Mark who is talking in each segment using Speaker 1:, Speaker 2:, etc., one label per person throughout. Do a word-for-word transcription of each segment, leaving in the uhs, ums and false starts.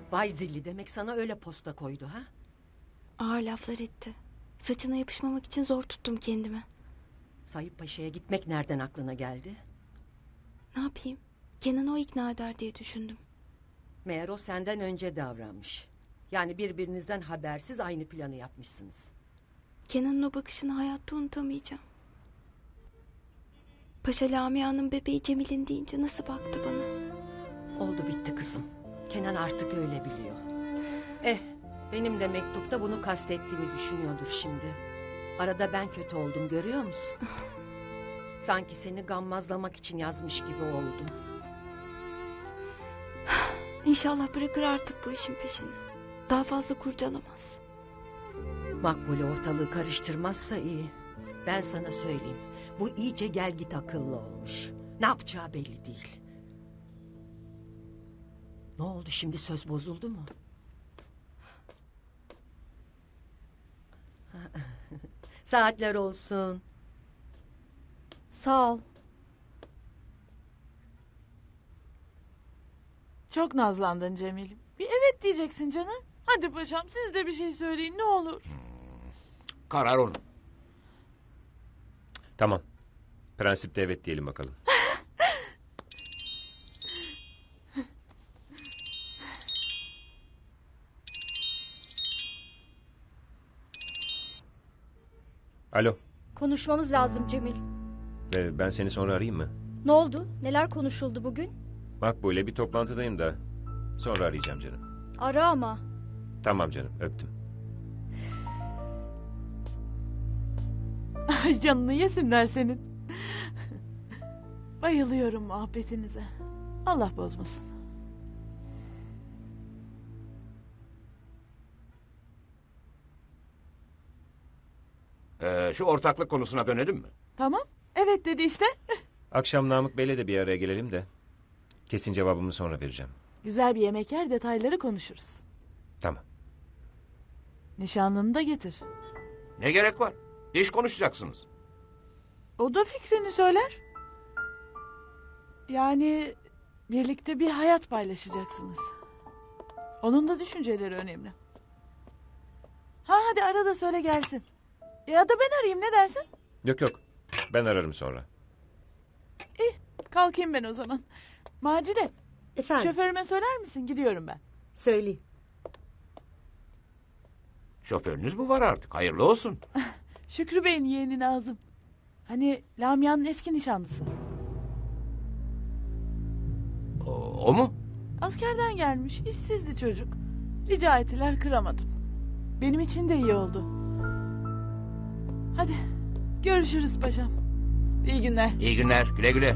Speaker 1: Vay zilli, demek sana öyle posta koydu ha?
Speaker 2: Ağır laflar etti. Saçına yapışmamak için zor tuttum kendimi.
Speaker 1: Sayıp Paşa'ya gitmek nereden aklına geldi?
Speaker 2: Ne yapayım? Kenan'ı o ikna eder diye düşündüm.
Speaker 1: Meğer o senden önce davranmış. Yani birbirinizden habersiz aynı planı yapmışsınız.
Speaker 2: Kenan'ın o bakışını hayatta unutamayacağım. Paşa Lamia'nın bebeği Cemil'in deyince nasıl baktı bana.
Speaker 1: Oldu bitti kızım. Kenan artık öyle biliyor. Eh, benim de mektupta bunu kastettiğimi düşünüyordur şimdi. Arada ben kötü oldum, görüyor musun? Sanki seni gammazlamak için yazmış gibi oldum.
Speaker 2: İnşallah bırakır artık bu işin peşini. Daha fazla kurcalamaz.
Speaker 1: Makbule ortalığı karıştırmazsa iyi. Ben sana söyleyeyim. Bu iyice gel git akıllı olmuş. Ne yapacağı belli değil. Ne oldu şimdi, söz bozuldu mu? Saatler olsun.
Speaker 3: Sağ ol.
Speaker 4: Çok nazlandın Cemil'im. Bir evet diyeceksin canım. Hadi paşam, siz de bir şey söyleyin ne olur.
Speaker 5: Karar onun.
Speaker 6: Tamam. Prensipte evet diyelim bakalım. Alo.
Speaker 3: Konuşmamız lazım Cemil.
Speaker 6: Ee, ben seni sonra arayayım mı?
Speaker 3: Ne oldu? Neler konuşuldu bugün?
Speaker 6: Makbule, bir toplantıdayım da. Sonra arayacağım canım.
Speaker 3: Ara ama.
Speaker 6: Tamam canım, öptüm.
Speaker 4: Ay canını yesinler senin. Bayılıyorum muhabbetinize. Allah bozmasın.
Speaker 5: Ee, şu ortaklık konusuna dönelim mi?
Speaker 4: Tamam. Evet dedi işte.
Speaker 6: Akşam Namık Bey'le de bir araya gelelim de. Kesin cevabımı sonra vereceğim.
Speaker 4: Güzel bir yemek yer, detayları konuşuruz.
Speaker 6: Tamam.
Speaker 4: Nişanlını da getir.
Speaker 5: Ne gerek var? İş konuşacaksınız.
Speaker 4: O da fikrini söyler. Yani birlikte bir hayat paylaşacaksınız. Onun da düşünceleri önemli. Ha hadi ara da söyle gelsin. Ya da ben arayayım, ne dersin?
Speaker 6: Yok yok. Ben ararım sonra.
Speaker 4: İyi, kalkayım ben o zaman. Macide,
Speaker 7: Efendim,
Speaker 4: şoförüme söyler misin? Gidiyorum ben.
Speaker 7: söyleyeyim.
Speaker 5: Şoförünüz mü var artık? Hayırlı olsun.
Speaker 4: Şükrü Bey'in yeğeni Nazım. Hani Lamia'nın eski nişanlısı.
Speaker 5: O, o mu?
Speaker 4: Askerden gelmiş, işsizdi çocuk. Rica ettiler, kıramadım. Benim için de iyi oldu. Hadi, görüşürüz paşam. İyi günler.
Speaker 5: İyi günler. Güle güle.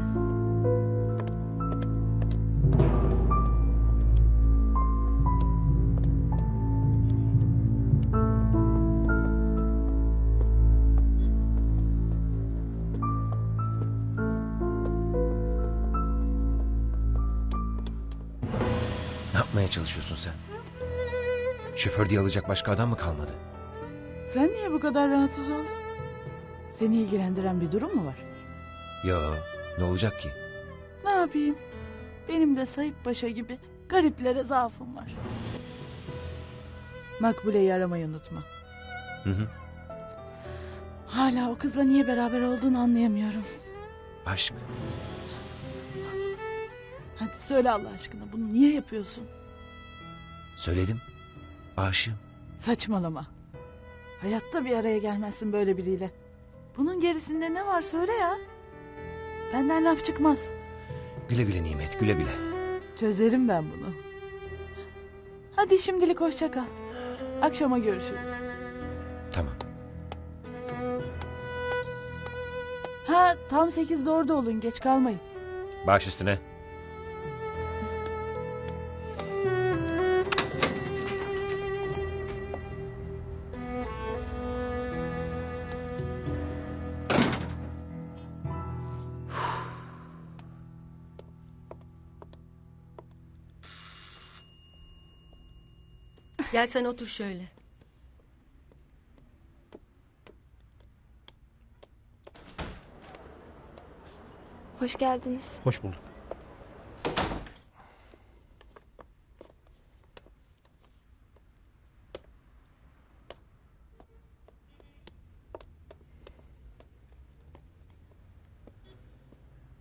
Speaker 6: Ne yapmaya çalışıyorsun sen? Şoför diye alacak başka adam mı kalmadı?
Speaker 4: Sen niye bu kadar rahatsız oldun? Seni ilgilendiren bir durum mu var?
Speaker 6: Yo, ne olacak ki?
Speaker 4: Ne yapayım? Benim de Sayıp Paşa gibi gariplere zaafım var. Makbule'yi aramayı unutma.
Speaker 6: Hı hı.
Speaker 4: Hala o kızla niye beraber olduğunu anlayamıyorum.
Speaker 6: Aşk.
Speaker 4: Hadi söyle Allah aşkına, bunu niye yapıyorsun?
Speaker 6: Söyledim. Aşığım.
Speaker 4: Saçmalama. Hayatta bir araya gelmezsin böyle biriyle. Bunun gerisinde ne var söyle ya. Benden laf çıkmaz.
Speaker 6: Güle güle Nimet, güle güle.
Speaker 4: Çözerim ben bunu. Hadi şimdilik hoşça kal. Akşama görüşürüz.
Speaker 6: Tamam.
Speaker 4: Ha tam sekizde orada olun, geç kalmayın.
Speaker 6: Baş üstüne.
Speaker 1: Gel sen otur şöyle.
Speaker 2: Hoş geldiniz.
Speaker 8: Hoş bulduk.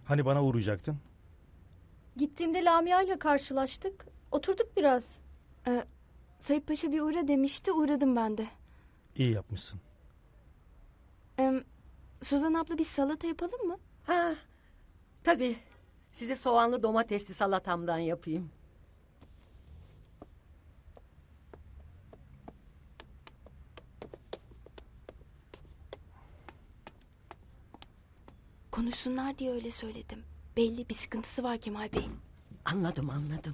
Speaker 7: Hani bana uğrayacaktın?
Speaker 3: Gittiğimde Lamia ile karşılaştık. Oturduk biraz.
Speaker 2: Ee, Sayıp Paşa bir uğra demişti, uğradım ben de.
Speaker 7: İyi yapmışsın.
Speaker 2: Ee, Suzan abla bir salata yapalım mı?
Speaker 1: Ha, tabii. Size soğanlı domatesli salatamdan yapayım.
Speaker 2: Konuşsunlar diye öyle söyledim. Belli bir sıkıntısı var Kemal Bey'in.
Speaker 1: Anladım, anladım.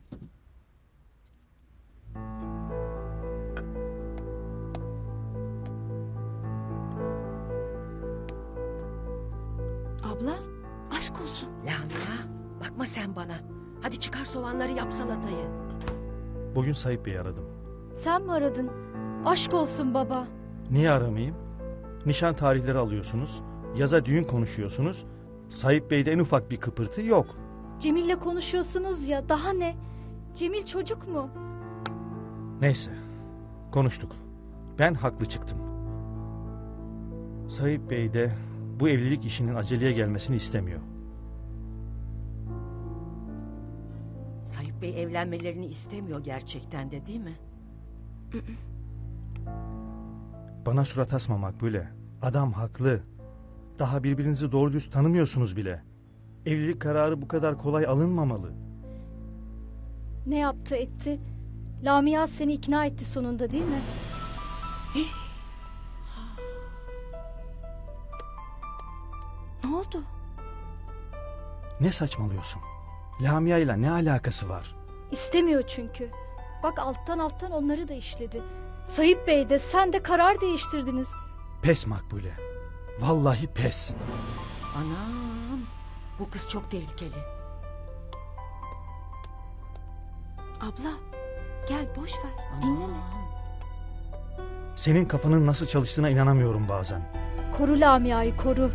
Speaker 2: Abla, aşk olsun.
Speaker 1: Lamia, bakma sen bana. Hadi çıkar soğanları, yap salatayı.
Speaker 7: Bugün Sayıp Bey'i aradım.
Speaker 3: Sen mi aradın? Aşk olsun baba.
Speaker 7: Niye aramayayım? Nişan tarihleri alıyorsunuz. Yaza düğün konuşuyorsunuz. Sayıp Bey'de en ufak bir kıpırtı yok.
Speaker 3: Cemil'le konuşuyorsunuz ya, daha ne? Cemil çocuk mu?
Speaker 7: Neyse. Konuştuk. Ben haklı çıktım. Sayıp Bey de bu evlilik işinin aceleye gelmesini istemiyor.
Speaker 1: Sayıp Bey evlenmelerini istemiyor gerçekten de, değil mi?
Speaker 7: Bana surat asma Makbule. Adam haklı. Daha birbirinizi doğru düz tanımıyorsunuz bile. Evlilik kararı bu kadar kolay alınmamalı.
Speaker 3: Ne yaptı etti? Lamia seni ikna etti sonunda, değil mi?
Speaker 2: Ne oldu?
Speaker 7: Ne saçmalıyorsun? Lamia ile ne alakası var?
Speaker 3: İstemiyor çünkü. Bak alttan alttan onları da işledi. Sayıp Bey de sen de karar değiştirdiniz.
Speaker 7: Pes Makbule. Vallahi pes.
Speaker 1: Anam, bu kız çok tehlikeli.
Speaker 2: Abla, gel boş ver.
Speaker 1: Aman.
Speaker 2: Dinleme.
Speaker 7: Senin kafanın nasıl çalıştığına inanamıyorum bazen.
Speaker 3: Koru Lamia'yı, koru.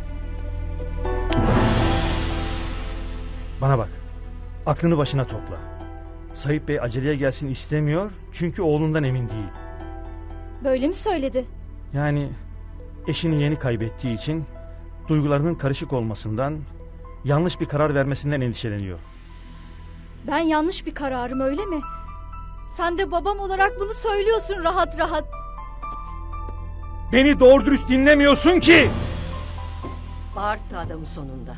Speaker 7: Bana bak. Aklını başına topla. Sayıp Bey aceleye gelsin istemiyor çünkü oğlundan emin değil.
Speaker 3: Böyle mi söyledi?
Speaker 7: Yani eşini yeni kaybettiği için duygularının karışık olmasından, yanlış bir karar vermesinden endişeleniyor.
Speaker 3: Ben yanlış bir kararım, öyle mi? Sen de babam olarak bunu söylüyorsun rahat rahat.
Speaker 7: Beni doğru dürüst dinlemiyorsun ki!
Speaker 1: Bağırttı adamı sonunda.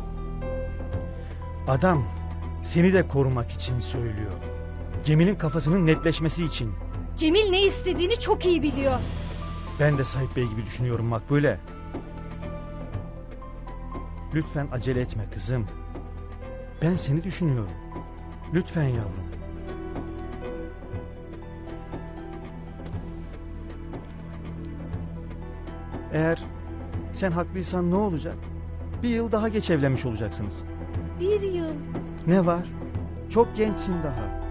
Speaker 7: Adam seni de korumak için söylüyor. Cemil'in kafasının netleşmesi için.
Speaker 3: Cemil ne istediğini çok iyi biliyor.
Speaker 7: Ben de Sayıp Bey gibi düşünüyorum Makbule. Lütfen acele etme kızım. Ben seni düşünüyorum. Lütfen yavrum. Eğer sen haklıysan ne olacak? Bir yıl daha geç evlenmiş olacaksınız.
Speaker 3: Bir yıl.
Speaker 7: Ne var? Çok gençsin daha.